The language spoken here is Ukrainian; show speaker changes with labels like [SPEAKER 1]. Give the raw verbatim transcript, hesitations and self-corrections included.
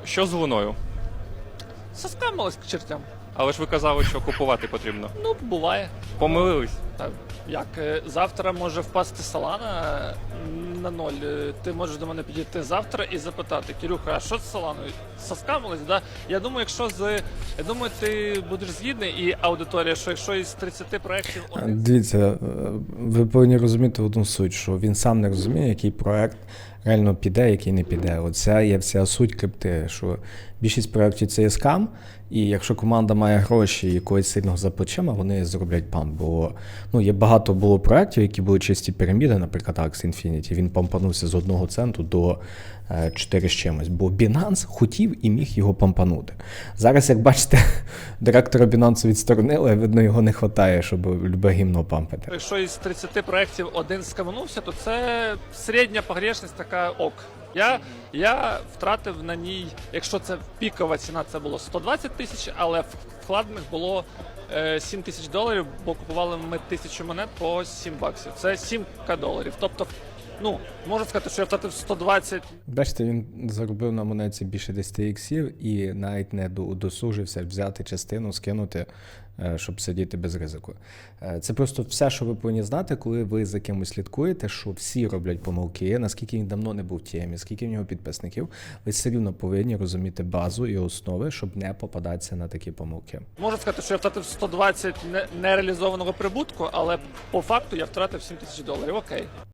[SPEAKER 1] Що з луною?
[SPEAKER 2] Соскамилась к чертям.
[SPEAKER 1] Але ж ви казали, що купувати потрібно.
[SPEAKER 2] Ну, буває.
[SPEAKER 1] Помилились.
[SPEAKER 2] Так, як е, завтра може впасти Солана е, на ноль. Е, Ти можеш до мене підійти завтра і запитати: Кирюха, а що з Соланою? Соскамилась, да? Я думаю, якщо з. Я думаю, ти будеш згідний, і аудиторія, що якщо із тридцяти проєктів один.
[SPEAKER 3] Дивіться, е, ви повинні розуміти одну суть, що він сам не розуміє, який проект реально піде, який не піде. Оця є вся суть крипти, що більшість проєктів це є скам, і якщо команда має гроші і якогось сильного за плечима, вони зроблять памп. Бо ну, є багато було проєктів, які були чисті піраміди, наприклад, Axie Infinity, він пампанувся з одного центу до е, чотири з чимось, бо Binance хотів і міг його пампанути. Зараз, як бачите, директора Binance відсторонили, видно, його не вистачає, щоб любе гімно пампити.
[SPEAKER 2] Якщо із тридцяти проєктів один скаманувся, то це середня погрешність така ок. Я, я втратив на ній, якщо це пікова ціна, це було сто двадцять тисяч, але вкладених було е, сім тисяч доларів, бо купували ми тисячу монет по сім баксів. Це сім ка доларів. Тобто, ну, можу сказати, що я втратив сто двадцять.
[SPEAKER 3] Бачите, він заробив на монеті більше десять іксів і навіть не удосужився взяти частину, скинути, е, щоб сидіти без ризику. Е, Це просто все, що ви повинні знати, коли ви за кимось слідкуєте, що всі роблять помилки, наскільки він давно не був в темі, скільки в нього підписників, ви все рівно повинні розуміти базу і основи, щоб не попадатися на такі помилки.
[SPEAKER 2] Можу сказати, що я втратив сто двадцять не- нереалізованого прибутку, але по факту я втратив сім тисяч доларів. Окей.